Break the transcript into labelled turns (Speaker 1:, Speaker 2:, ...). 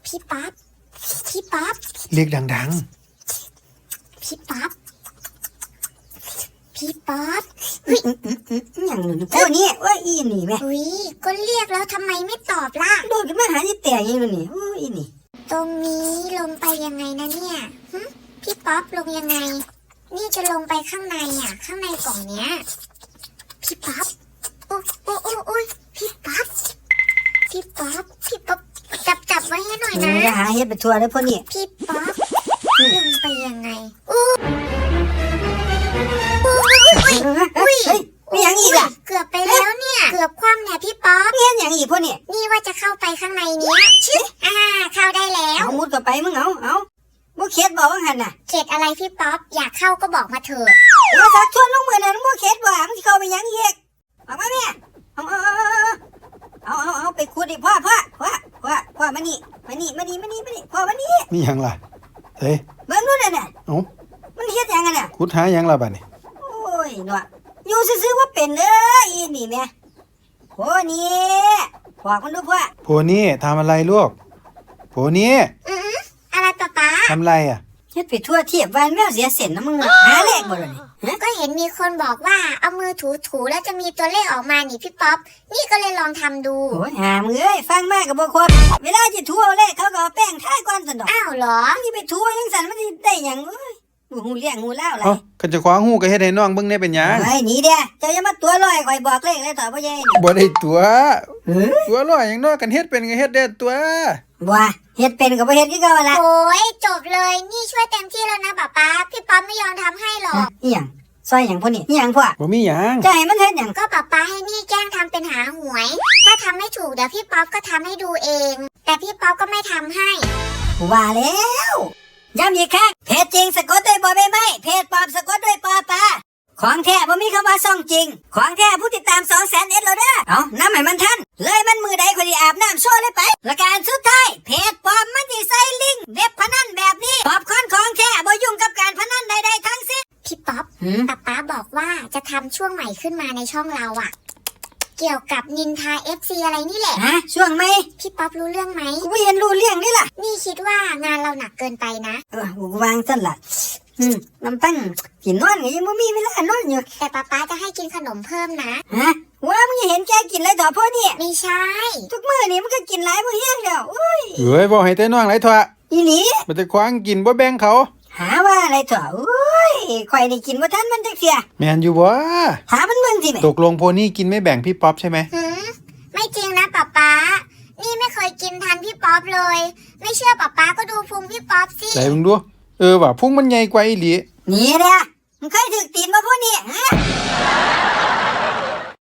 Speaker 1: พี่ป๊อปพี่ป๊อป
Speaker 2: เรียกดัง
Speaker 1: พี่ป๊อปพี่ป๊อปอุ้ย
Speaker 3: อย่างนึงเท่านี้ว่าอีนี่แม่
Speaker 1: อุ้ยก็เรียกแล้วทำไมไม่ตอบล่ะ
Speaker 3: โดดขึ้นมาหาที่แต่ยังนี่โอ้อีนี่
Speaker 1: ตรงนี้ลงไปยังไงนะเนี่ยพี่ป๊อปลงยังไงนี่จะลงไปข้างในข้างในกล่องเนี้ยพี่ป๊อปโอ้ยพี่ป๊อปจับไว้ให้หน่อยนะ
Speaker 3: จะหาเฮ็ดไปทัวร์แล้วพวกนี้
Speaker 1: พี่ป๊อปลงไปยังไง
Speaker 3: มีอย่างอีกอ่ะ
Speaker 1: เกือบไปแล้วเนี่ยเกือบคว่ำเนี่ยพี่ป๊อป
Speaker 3: เฮ็ดอย่างอีกพวกนี้
Speaker 1: นี่ว่าจะเข้าไปข้างในเนี้ยเข้าได้แล้ว
Speaker 3: มุดก็ไปมึงเอาบ่เข็ดบอกว่าหั่นน่ะ
Speaker 1: เข็ดอะไรพี่ป๊อปอยากเข้าก็บอกมาเถอะ
Speaker 3: สักชวนลงมือนั่นบ่เข็ดบ่มึงสิเข้าไปยังอีกออกมาแม่เอาไปขุดดิพ่อมานี่พ่อมานี่
Speaker 2: มีหยังล่ะเฮ้ย
Speaker 3: เบิ่งนู่นน่ะมันเฮ็ดหยังกันน่ะ
Speaker 2: ขุดหาหยังล่ะบัดนี้
Speaker 3: โอ้ยเนาะอยู่ซื่อๆว่าเป็นอีนี่แม่โหนี่บอกมันดูพ่อ
Speaker 2: โพนี่ทำอะไรลูกโพนี่
Speaker 1: อะไรป๊า
Speaker 2: ทำอะไรอ่ะ
Speaker 3: เฮ็ดไปทั่วเทียบวันแมวเสียเส้นนะมึงหาเลขบ่ล่ะนี่
Speaker 1: ก็เห็นมีคนบอกว่าเอามือถูแล้วจะมีตัวเลขออกมานี่พี่ป๊อปนี่ก็เลยลองทำดู
Speaker 3: โอ้ยหามึงเอ้ยฟังมากก็บ่ครบเวลาจะทั่วเลขเขาก็เอาแป้งทาก่อนซั่นดอก
Speaker 1: อ้าวเหรอ
Speaker 3: มึงสิไปทั่วจังซั่นมันสิได้หยังเอ้ยหูเลี้ยงหูเล่าอะไร
Speaker 2: คันจะคว้าหูก็เฮ็ดให้น้องเบิ่งได้เป็นหยัง
Speaker 3: เฮ้ยหนีเด้อเจ้าอย่ามาตัวลอยข่อยบอกเลขเลยต่อบ่ใหญ่
Speaker 2: บ่ได้ตัวลอยหยังน้อกันเฮ็ดเป็นก็เฮ็ดได้ตัว
Speaker 3: บ่เฮ็ดเป็นก็บ่เฮ็ดคือเก่าล่ะ
Speaker 1: โอ้ยจบเลยนี่ช่วยเต็มที่แล้วนะป๊าพี่ป๊อปไม่ยอมทำให้หรอก
Speaker 3: อีหยังซอยหยังพวกนี้อีหยังพ่อ
Speaker 2: บ่มีหยัง
Speaker 3: จะให้มันเฮ็ดหยัง
Speaker 1: ก็ป๊าให้นี่แกล้งทำเป็นหาหวยถ้าทำไม่ถูกเดี๋ยวพี่ป๊อปก็ทำให้ดูเองแต่พี่ป๊อปก็ไม่ทำให้
Speaker 3: ว่าแล้วย้ำอีกครั้งเพจจริงสะกดด้วยบ่ใบไม้เพจปลอมสะกดด้วยปอปลาของแท้บ่มีคำว่าซ่องจริงของแท้ผู้ติดตาม 200,000 แล้วเด้อเอาน้ำให้มันทันเลยมันมือใดคนที่อาบน้ำโชว์เลยไปและการสุดท้ายเพจปลอมมันสิใส่ลิงก์เว็บพนันแบบนี้ปอบคอนของแท้บ่ยุ่งกับการพนันใดๆทั้งสิ้น
Speaker 1: พี่ป๊อปป๊าบอกว่าจะทำช่วงใหม่ขึ้นมาในช่องเราเกี่ยวกับนินทา FC อะไรนี่แหละ
Speaker 3: ช่วงไหม
Speaker 1: พี่ป๊อปรู้เรื่องไหม
Speaker 3: กูไม่เห็นรู้เรื่องนี่ล่ะ
Speaker 1: นี่คิดว่างานเราหนักเกินไปนะ
Speaker 3: กูวางซั่นล่ะน้ำตั้งกินนอนก็ยังไม่มีเวลานอนอยู่
Speaker 1: แต่ป๊าจะให้กินขนมเพิ่มนะ
Speaker 3: ว่ามึงเห็นแกกินอะไรต่อพ่อนี่
Speaker 1: ไม่ใช่
Speaker 3: ทุกมื้อนี่มันก็กินหลายบ่เฮียงแล้ว
Speaker 2: เอ้ยบ่ให้แต่น้องหลายทั่ว
Speaker 3: อีหลี
Speaker 2: มันจะคว้างกินบ่แบ่งเขา
Speaker 3: หาว่าอะไรต่อข่อยได้กินบ่ทันมันจักเสีย
Speaker 2: แม่นอยู่บ่
Speaker 3: หามันเบิ่งสิแม่
Speaker 2: ตกลงโพนี่กินไม่แบ่งพี่ป๊อปใช่ไหม
Speaker 1: ไม่จริงนะป๊านี่ไม่เคยกินทันพี่ป๊อปเลยไม่เชื่อป๊าก็ดูพุงพี่ป๊อปสิ
Speaker 2: ไหนมึงดูว่าพุงมันใหญ่กว่าอีหลี
Speaker 3: นี่เด้อมึงเคยถึกตีนบ่พวกนี้